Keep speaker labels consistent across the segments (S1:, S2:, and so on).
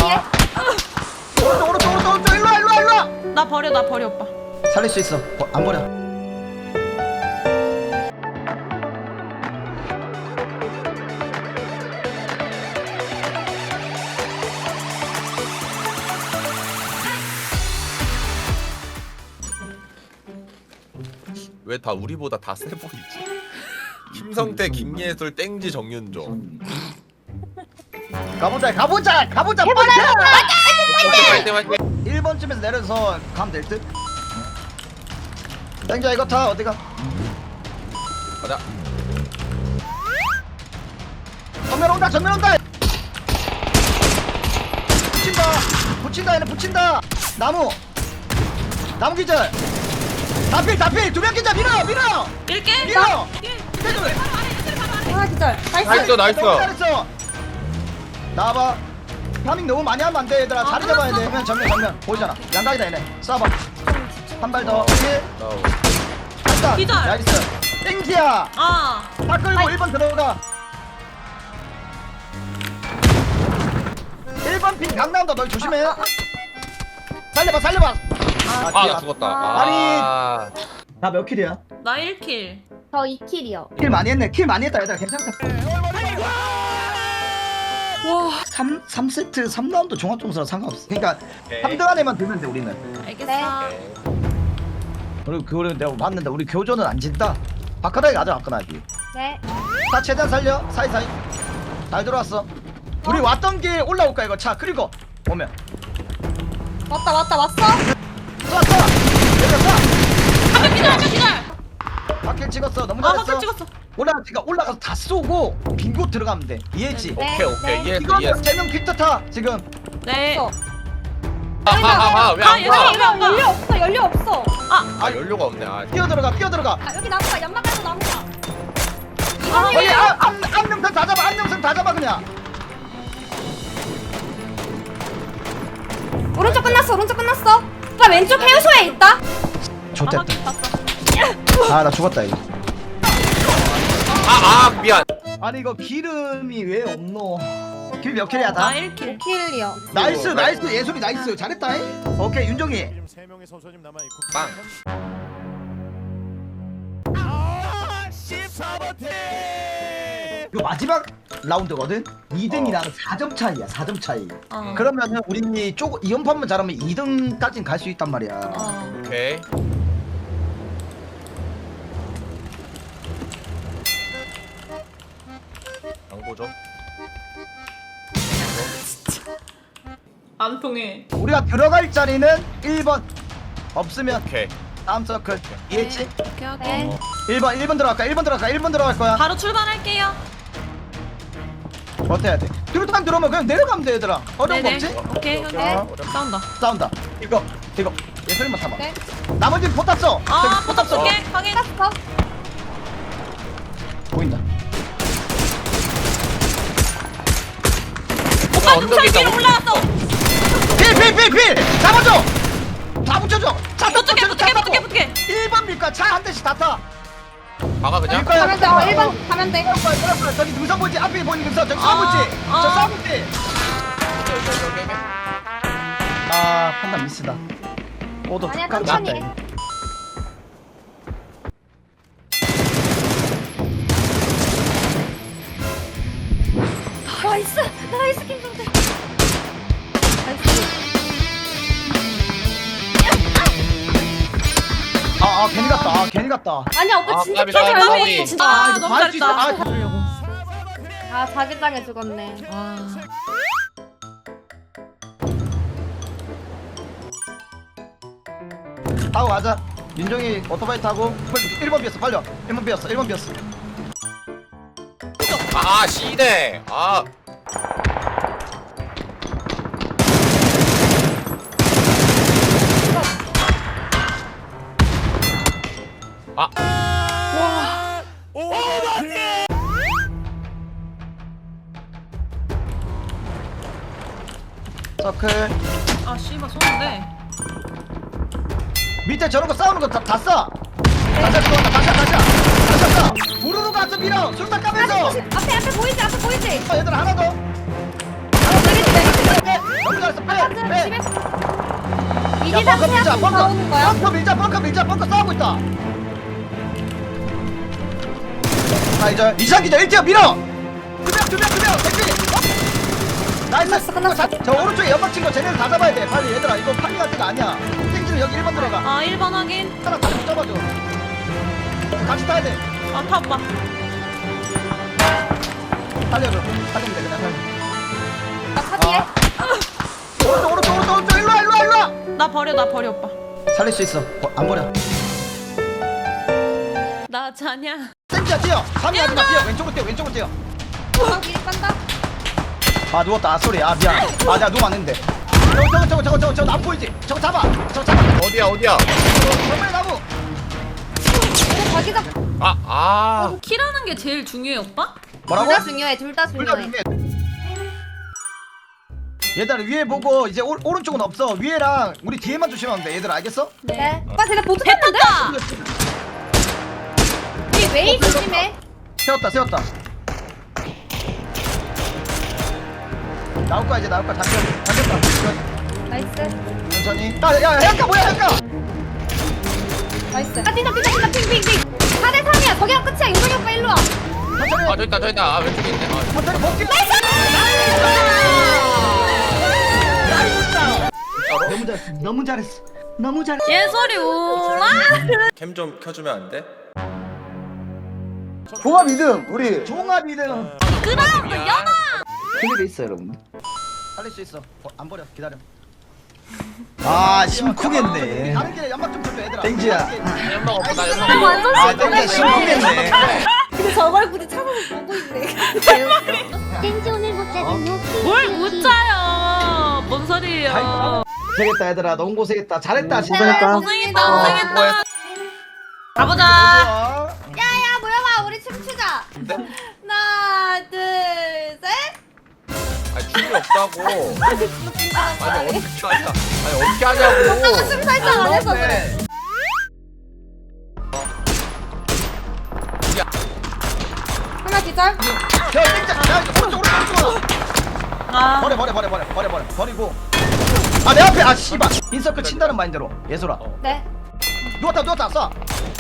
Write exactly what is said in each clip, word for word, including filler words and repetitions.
S1: 아. 오른쪽 오른쪽 오른쪽 오른쪽 일로와 일로와 일로와.
S2: 나 버려 나 버려 오빠.
S1: 살릴 수 있어. 버, 안 버려.
S3: 왜 다 우리보다 다 세 보이지? 김성태, 김예술, 땡지, 정윤조.
S1: 가보자 가보자 가보자. 빨리.
S3: 파이팅 파이팅.
S1: 일 번쯤에서 내려서 가면 될 듯. 땡자 이거 타 어디가?
S3: 가자.
S1: 전면 온다 전면 온다. 붙인다 붙인다 얘네 붙인다. 나무 나무 기절. 다필 다필 두 명 기절. 밀어 밀어
S2: 밀게.
S1: 밀어.
S4: 아 기절.
S3: 나이스 나이스.
S1: 잘했어. 나와봐. 파밍 너무 많이 하면 안돼 얘들아. 자리 잡아야 돼. 전면 전면 전면 보이잖아. 양각이다 얘네. 쏴봐. 한 발 더.
S3: 나오.
S1: 갔다.
S2: 기절.
S1: 나이스. 땡지야.
S2: 아.
S1: 다 끌고 일 번 들어가. 일 번 핀 강남다. 널 조심해. 살려봐 살려봐.
S3: 아 나 죽었다.
S1: 아니.
S3: 아.
S1: 나 몇 킬이야?
S2: 나 일 킬.
S4: 저 이 킬이요.
S1: 킬 많이 했네. 킬 많이 했다 얘들아. 괜찮다.
S2: 와.
S1: 삼, 삼 세트 삼 라운드 종합 점수랑 상관없어. 그러니까
S3: 오케이.
S1: 삼 등 안에만 들면 돼 우리는.
S2: 알겠어.
S1: 그리고 그거는 내가 봤는데 우리 교전은 안 진다. 바카라에 가자 바카라기.
S4: 네.
S1: 다 최대한 살려. 사이사이. 잘 들어왔어. 우리 왔던 길 올라올까 이거 차. 그리고 오면
S4: 왔다 왔다 왔어.
S1: 쏴 쏴. 내렸어.
S2: 한명 기절 한명 기절.
S1: 바퀴 찍었어. 너무
S2: 아
S1: 잘했어.
S2: 확킬 찍었어.
S1: 올라가 올라가서 다 쏘고 빈곳 들어가면 돼. 이해했지?
S4: 네.
S3: 오케이 오케이 이해했어
S1: 이거
S3: 이해했어.
S1: 세명 피트 타 지금.
S2: 네.
S4: 없어.
S3: 하하하 왜
S2: 아,
S3: 안
S2: 여기,
S3: 가?
S2: 여기. 안
S4: 연료 없어 연료 없어.
S3: 아 연료가 없네. 아.
S1: 뛰어 들어가 뛰어 들어가.
S4: 아 여기 나무가 연막 깔고 나무가.
S2: 아,
S1: 거기 안녕선 다 잡아. 안녕선 다 잡아 그냥.
S4: 오른쪽 끝났어 오른쪽 끝났어. 오빠 왼쪽 해우소에 있다.
S2: 아,
S1: 좋댔다.
S2: 확킬 봤어.
S1: 아 나 죽었다 이거.
S3: 아, 아 미안.
S1: 아니 이거 기름이 왜 없노? 길 몇 킬이야 다?
S2: 나 일 킬.
S4: 킬이요.
S1: 나이스 나이스 예술이 나이스 잘했다. 잉? 오케이 윤종이.
S5: 지금 세 명의 선수님 남아 있고
S3: 빵.
S5: 아, 십사 번 팀.
S1: 이거 마지막 라운드거든. 이 등이랑 사 점 차이야. 사 점 차이.
S2: 어.
S1: 그러면은 우리 쪼 이 연판만 잘하면 이 등까진 갈 수 있단 말이야.
S2: 어.
S3: 오케이. 양보 좀.
S2: 안 통해.
S1: 우리가 들어갈 자리는 일 번. 없으면
S3: 오케이.
S1: 다음 서클. 이해했지?
S2: 오케이 오케이.
S4: 네.
S1: 일 번 일 번 들어갈까? 일 번 들어갈까? 일 번 들어갈 거야.
S2: 바로 출발할게요.
S1: 어때야 돼? 뒤로탄 들어오면 그냥 내려가면 돼 얘들아. 어려운 거
S2: 네네.
S1: 없지?
S2: 오케이 오케이.
S1: 어.
S2: 싸운다.
S1: 싸운다. 이거 이거 예술이만 타봐.
S4: 네.
S1: 나머지 포탑 써.
S2: 아
S1: 저기
S2: 포탑 쏠게. 확인.
S4: 땄어.
S1: 보인다.
S2: 오빠
S3: 언덕에
S2: 능선 위로
S3: 있다고?
S2: 올라왔어.
S1: 필필필필 잡아줘. 다 붙여줘. 차
S2: 붙게 붙게 붙게 붙게.
S1: 일 번 밀까 차 한 대씩 다 타.
S3: 막아 그냥.
S1: 밀 거야.
S4: 가면 돼. 어, 일 번 가면 돼.
S1: 그럴 거야, 그럴 거야. 저기 능선 보이지? 앞에 보이는 능선 저기 싸움
S2: 아,
S1: 있지?
S2: 아.
S1: 저 싸움 있지?
S3: 오케이, 오케이, 오케이, 오케이.
S1: 아 판단 미스다. 오도
S4: 아니야,
S1: 깜
S4: 천천히
S1: 났다,
S4: 해.
S1: 이거.
S4: 나이스 나이스 김성태. 나이스.
S1: 아, 아 괜히 갔다. 아 괜히 갔다.
S4: 아니야 오빠
S3: 아,
S4: 진짜
S3: 까비,
S4: 킬잘
S3: 까비.
S4: 먹었어 진짜.
S2: 아
S1: 이거
S2: 너무
S1: 할수 있어.
S2: 잘했다.
S1: 아,
S2: 잡으려고.
S4: 아 자기 땅에 죽었네.
S2: 와.
S1: 타고 가자. 민종이 오토바이 타고 일 번 비었어. 빨리 와. 일 번 비었어. 일 번 비었어.
S3: 아 씨네. 아. 아.
S1: 서클.
S2: 아 씨발 쏘는데.
S1: 밑에 저런 거 싸우는 거 다 다 쏴. 다시 들어온다. 다시 다시. 다시 쏴. 우르르 가서 밀어. 술딱 까면서.
S4: 앞에 앞에 보이지 앞에 보이지.
S1: 어, 얘들 하나 더.
S4: 내리지 내리지.
S1: 너무
S4: 일단
S1: 벙커 밀자
S4: 생각하고
S1: 벙커
S4: 나오는 거야?
S1: 벙커 밀자 벙커 밀자 벙커 싸우고 있다. 자 이제 이상 기자 일 대 밀어. 두명두명두명 대피. 나이스.
S4: 끝났어, 끝났어.
S1: 자, 저 오른쪽에 연막 친거 쟤네들 다 잡아야 돼 빨리 얘들아. 이거 파밍할 때가 아니야. 땡기는 여기 일 번 들어가.
S2: 아 일 번 확인.
S1: 하나 다시 못 잡아줘. 같이 타야 돼.
S2: 아타 오빠.
S1: 살려줘. 살리면 돼 그냥 살려.
S4: 나차 뒤에.
S1: 아. 오른쪽 오른쪽 오른쪽 오른쪽 일로와 일로와 일로와.
S2: 나 버려 나 버려 오빠.
S1: 살릴 수 있어. 버, 안 버려.
S2: 나 자냐.
S1: 땡기야 뛰어. 삼이 하지마 뛰어. 왼쪽으로 뛰어 왼쪽으로 뛰어.
S4: 아 뒤에 빤다.
S1: 아 누웠다. 아 쏘리. 아 미안. 아 내가 누우면 안 했는데. 저거 저거 저거 저거 저거 저거 안 보이지? 저거 잡아. 저거 잡아.
S3: 어디야 어디야?
S1: 정말 나무.
S4: 이거 자기장.
S3: 아 아.
S2: 키라는 게 제일 중요해 오빠?
S1: 뭐라고?
S4: 둘 다 중요해. 둘 다
S1: 둘 다
S4: 중요해.
S1: 중요해. 얘들아 위에 보고 이제 오, 오른쪽은 없어. 위에랑 우리 뒤에만 조심하면 돼. 얘들 알겠어?
S4: 네. 오빠 쟤네 보트 탔는데?
S2: 됐다.
S4: 우리 웨이 조심해.
S1: 세웠다 세웠다. 나올 거야 이제 나올 거야. 잠깐 잠겼다.
S4: 나이스.
S1: 천천히. 야야 해안가 뭐야 해안가.
S4: 나이스. 아 뛴다 뛴다 뛴다 핑핑핑. 사 대 삼이야. 저기가 끝이야. 윤석이 오빠 일로 와.
S1: 천천히.
S3: 아 저기 있다 저기 있다. 아 왼쪽에 있네. 아.
S1: 천천히 복귀. 너무 잘했어. 너무 잘했어. 너무 잘했어.
S2: 예솔이 오라.
S3: 캠 좀 켜주면 안 돼?
S1: 종합 이 등 우리 종합 이 등.
S2: 그럼 연아.
S1: 클립에 있어 여러분. 살릴 수 있어. 어, 안 버려. 기다려. 아 심쿵했네. 다른 길에 연막 좀 쳐줘 얘들아. 땡지야.
S3: 나 연막 없어 나 연막
S4: 아,
S3: 없어.
S4: 완전
S1: 아 땡지야 심쿵했네.
S4: 근데 저걸 굳이 찾아서 보고 있네.
S6: 땡지 오늘 못 자는 요
S2: 뭘 못 짜요. 뭔 소리예요.
S1: 고생했다 얘들아. 너무 고생했다. 잘했다 진짜.
S2: 고생했다 고생했다. 가보자.
S4: 야야 모여봐. 우리 춤추자.
S3: 네?
S4: 하나 둘 셋.
S3: 아니 춤이 없다고. 아니 어떻게 하냐? 아니 어떻게 하냐고.
S4: 춤 살짝 안 해서 그래.
S3: 야.
S4: 하나 기절.
S1: 야 땡지야. 야 오른쪽 오른쪽 오른쪽.
S2: 아
S1: 버려 버려 버려 버려 버려 버려 버리고. 아 내 앞에 아 씨발. 인서클 친다는 마인드로. 예솔아.
S4: 네.
S1: 누웠다 누웠다 쏴.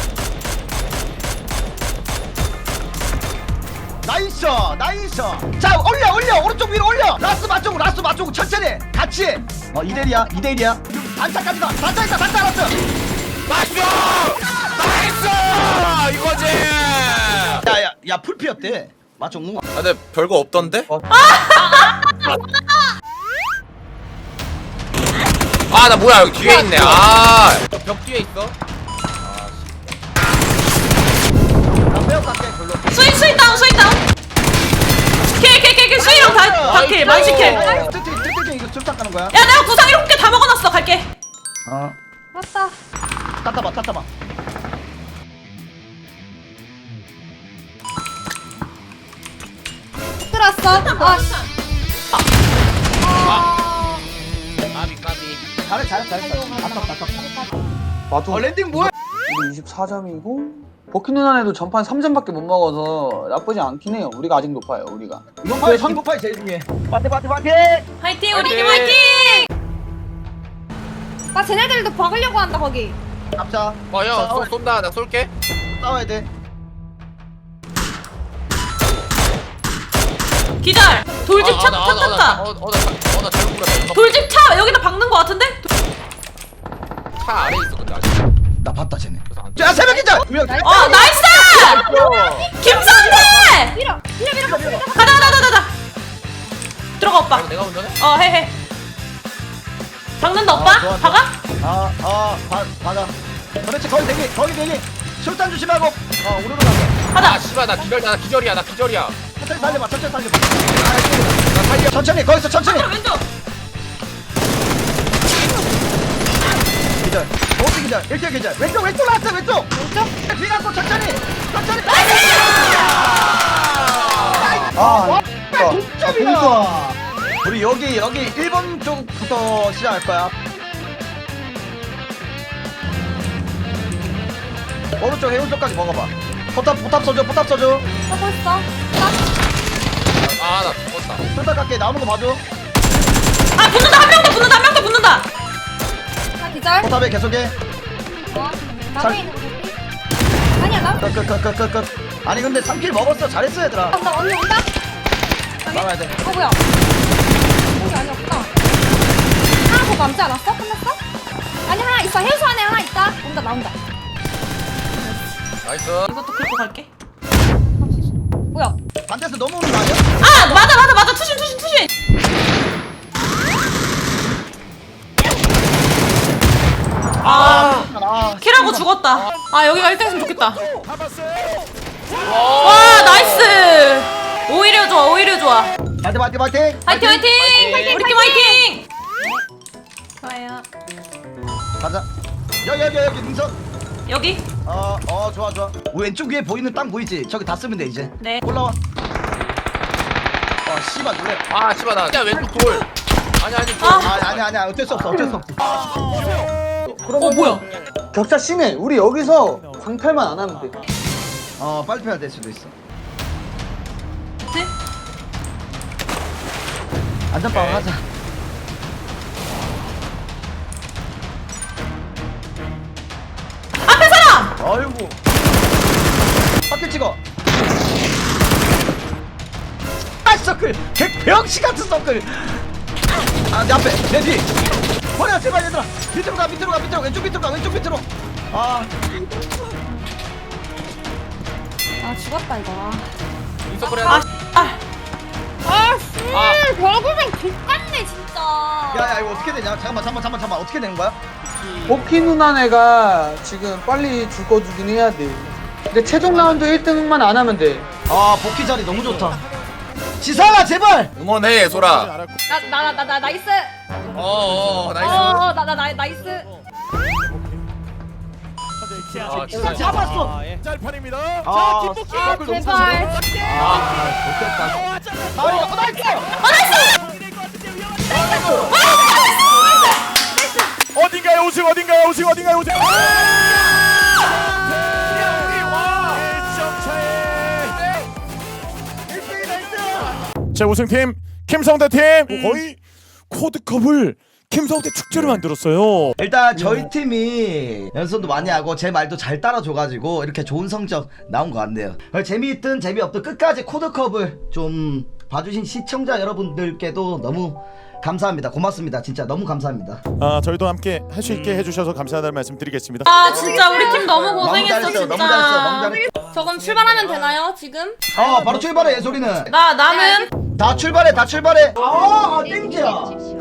S1: 나이스 나이스. 자 올려 올려 오른쪽 위로 올려. 라스 맞쪽 라스 맞쪽 천천히 같이. 어 이 대 일이야 이 대 일이야. 단차까지 가. 단차 있다 단차 라스.
S3: 나이스! 나이스! 이거지!
S1: 야야 야 풀피였대. 맞쪽 누가.
S3: 아 근데 별거 없던데? 아 나 뭐야 여기 뒤에 있네. 아벽 뒤에 있어.
S1: 나 빼어 갈게 별로.
S2: 수인 수인 다운 수인 다운. 킬킬킬킬 수인형 다 다킬 만시킬. 야
S1: 뜨뜨 뜨뜨 이거 술탁 가는 거야.
S2: 내가 구상 일곱 개 다 먹어놨어 갈게.
S1: 어
S4: 왔다.
S1: 땄다봐 땄다봐.
S4: 들어왔어. 아.
S3: 까비 까비.
S1: 잘해 잘해 잘해. 아깝다 아깝다.
S7: 나도
S1: 어 랜딩 뭐야?
S7: 우리 이십사 점이고 버키 누나네도 전판 삼 점밖에 못 먹어서 나쁘지 않긴 해요. 우리가 아직 높아요. 우리가
S1: 이번 파이 이번 파이 제일 중요해. 파티 파티 파티.
S2: 화이팅 우리 팀
S3: 화이팅!
S2: 화이팅.
S4: 나 쟤네들도 박으려고 한다 거기.
S1: 잡자.
S3: 어형 쏜다 나 쏠게.
S1: 싸워야 돼.
S2: 기절. 돌집 차
S3: 아, 나, 나, 나,
S2: 탔다.
S3: 어, 어, 나, 어, 나 잘못 불렀어.
S2: 돌집 차 여기다 박는 거 같은데?
S3: 차 아래 있어 근데 아직.
S1: 나 봤다 쟤네.
S3: 그래서 안
S1: 야 새벽 기자.
S2: 어 나이스. 김선태.
S4: 밀어. 밀어 밀어 밀어.
S2: 가자 가자 가자 가자. 들어가 오빠.
S3: 내가 운전해?
S2: 어 해해. 박는다 오빠?
S1: 아, 좋아, 좋아.
S2: 박아?
S1: 아아 받아. 그렇지 거기 대기 거기 대기. 술탄 조심하고. 어 우르르 가게.
S3: 아
S2: 가자.
S3: 씨발 나 기절 나 기절이야 나 기절이야.
S1: 천천히 살려봐 천천히 살려봐. 나 살려. 천천히 거기서 천천히.
S2: 왼쪽.
S1: 기절. 오기 기절. 일대 기절. 왼쪽 왼쪽 나왔어 왼쪽.
S4: 왼쪽.
S1: 뒤 갖고 천천히. 천천히.
S7: 아
S1: 동점이야. 우리 여기 여기 일 번 쪽부터 시작할 거야. 오른쪽 해운 쪽까지 먹어봐. 포탑 포탑 써줘 포탑 써줘.
S4: 하고 있어.
S3: 아 나 죽었다.
S1: 포탑 갈게 나오는 거 봐줘.
S2: 아 붙는다 한 명 더 붙는다 한 명 더 붙는다.
S4: 나 기절. 기절.
S1: 포탑에 계속해.
S4: 어. 나무에 있는 거 개피. 아니야 나.
S1: 끝끝끝끝끝. 아니 근데 삼 킬 먹었어. 잘했어 얘들아.
S4: 온다 언니 온다.
S1: 나가야 돼.
S4: 어 뭐야? 여기 아니었구나. 하나 더 남지 않았어? 끝났어? 아니 하나 있어. 해수 안에 하나 있다. 온다 나온다.
S3: 나이스.
S2: 이것도 긁고 갈게.
S4: 뭐야?
S1: 반대에서 넘어오는 거 아니야?
S2: 아 맞아 맞아 맞아 투신 투신 투신. 아
S1: 아,
S2: 킬하고 죽었다. 아 여기가 일 등했으면 좋겠다.
S5: 잡았어요.
S2: 와 나이스. 오히려 좋아 오히려 좋아.
S1: 파이팅 파이팅 파이팅.
S2: 화이팅 화이팅. 우리 팀 화이팅. 좋아요.
S1: 가자. 여기 여기 여기 능선.
S2: 여기.
S1: 어, 어, 좋아, 좋아. 왼쪽 위에 보이는 땅 보이지? 저기 다 쓰면 돼, 이제.
S2: 네.
S1: 올라와. 어, 씨발, 놀래.
S3: 아 씨발 나 진짜 왼쪽 돌. 아니 아니 돌.
S2: 아.
S1: 아, 아니, 아니, 아니, 어쩔 수 없어, 어쩔 수 없어.
S7: 그러면
S2: 어 뭐야?
S7: 격차 심해. 우리 여기서 광탈만 안 하면 돼.
S1: 어, 빨리 패야 될 수도 있어.
S2: 네?
S1: 안전빵 하자.
S2: 앞에 사람.
S1: 아이고. 밖에 찍어. 아, 서클! 개병신 같은 서클! 아, 내 앞에, 내 뒤! 버려, 제발, 얘들아! 밑으로 가, 밑으로 가, 밑으로 가, 왼쪽 밑으로 가, 왼쪽 밑으로! 아,
S4: 아 죽었다 이거.
S3: 인서클
S2: 아
S3: 해라.
S2: 아.
S4: 아씨
S3: 아.
S4: 별고생 족같네 진짜.
S1: 야, 야, 이거 어떻게 되냐? 잠깐만, 잠깐만, 잠깐만, 잠깐만, 어떻게 되는 거야?
S7: 버키 누나네가 지금 빨리 죽어주긴 해야 돼. 근데 최종 라운드 일 등만 안 하면 돼.
S1: 아, 복귀 자리 너무 좋다. 지상아, 제발!
S3: 응원해 소라.
S5: 알았고.
S4: 나나 나 나 나이스.
S3: 어어 나이스.
S4: 어나 나 나 나이스.
S3: 아,
S1: 진짜 잡았어!
S5: 아, 예. 짤판입니다.
S1: 아,
S5: 자, 김복희.
S4: 아 제발.
S1: 아, 좋겠다. 아, 이거 나이스!
S5: 어딘가에 우승 어딘가에 우승 어딘가에 우승. 자 우승팀 김성대 팀 거의 코드컵을 김성대 축제로 만들었어요.
S1: 일단 저희 팀이 연습도 많이 하고 제 말도 잘 따라줘가지고 이렇게 좋은 성적 나온 것 같네요. 재미있든 재미없든 끝까지 코드컵을 좀 봐주신 시청자 여러분들께도 너무 감사합니다. 고맙습니다. 진짜 너무 감사합니다.
S5: 아 저희도 함께 할 수 있게 해주셔서 감사하다는 말씀 드리겠습니다.
S2: 아 진짜 우리 팀 너무
S1: 너무
S2: 고생했어
S1: 잘했어,
S2: 진짜.
S1: 너무 잘했어, 너무 잘했어.
S4: 저 그럼 출발하면 되나요 지금?
S1: 어, 바로 출발해, 예솔이는.
S2: 나 나는
S1: 다 출발해, 다 출발해. 아, 땡지야.